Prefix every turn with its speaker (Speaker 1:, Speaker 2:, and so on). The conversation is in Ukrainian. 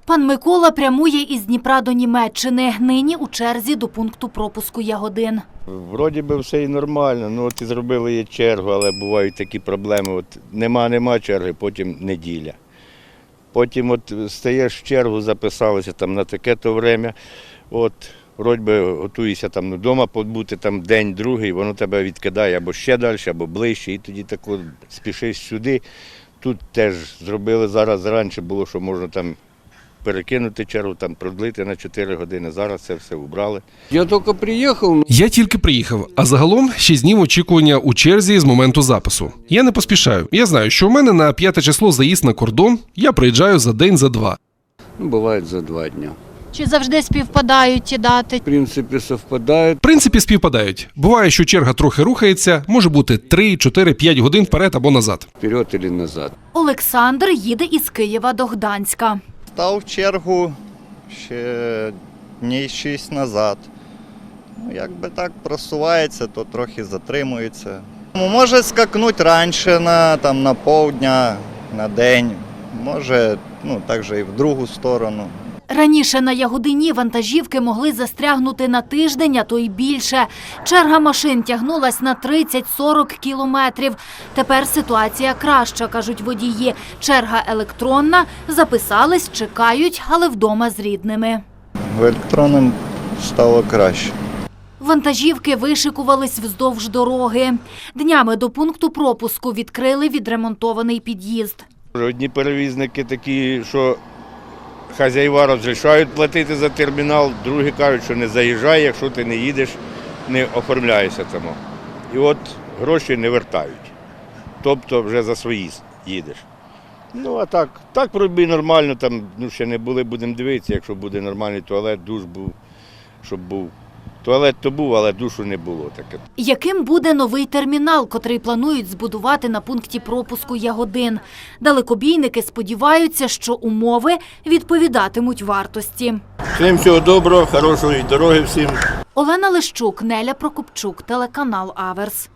Speaker 1: Пан Микола прямує із Дніпра до Німеччини. Нині у черзі до пункту пропуску Ягодин.
Speaker 2: Вроді би все і нормально, ну от і зробили є чергу, але бувають такі проблеми. От нема черги, потім неділя. Потім от стаєш в чергу, записалися там на таке-то время. От вроді би готуєшся там вдома побути там день-другий, воно тебе відкидає або ще далі, або ближче, і тоді так от спішиш сюди. Тут теж зробили зараз, раніше було, що можна там перекинути чергу, там продлити на 4 години. Зараз це все убрали.
Speaker 3: Я тільки приїхав, а загалом 6 днів очікування у черзі з моменту запису. Я не поспішаю. Я знаю, що у мене на 5 число заїзд на кордон, я приїжджаю за день, за два.
Speaker 4: Бывает за 2 дня.
Speaker 1: Чи завжди співпадають ті дати?
Speaker 4: В принципе, совпадает.
Speaker 3: В принципі, співпадають. Буває, що черга трохи рухається, може бути 3, 4, 5 годин вперед або назад.
Speaker 4: Вперед или назад.
Speaker 1: Олександр їде із Києва до Гданська.
Speaker 5: Став в чергу ще днів 6 назад. Ну, якби так просувається, то трохи затримується. Може скакнути раніше на півдня, на день. Може, також і в другу сторону.
Speaker 1: Раніше на Ягодині вантажівки могли застрягнути на тиждень, а то й більше. Черга машин тягнулась на 30-40 кілометрів. Тепер ситуація краща, кажуть водії. Черга електронна, записались, чекають, але вдома з рідними.
Speaker 5: В електронному стало краще.
Speaker 1: Вантажівки вишикувались вздовж дороги. Днями до пункту пропуску відкрили відремонтований під'їзд.
Speaker 2: Одні перевізники такі, що хазяїва розрішають платити за термінал, другі кажуть, що не заїжджай, якщо ти не їдеш, не оформляєшся там. І от гроші не вертають. Тобто вже за свої їдеш. Ну а так пробій нормально, там ще не були, будемо дивитися, якщо буде нормальний туалет, душ був, щоб був. Туалет то був, але душу не було таке.
Speaker 1: Яким буде новий термінал, котрий планують збудувати на пункті пропуску Ягодин? Далекобійники сподіваються, що умови відповідатимуть вартості.
Speaker 2: Всім всього доброго, хорошої дороги всім.
Speaker 1: Олена Лищук, Неля Прокопчук, телеканал Аверс.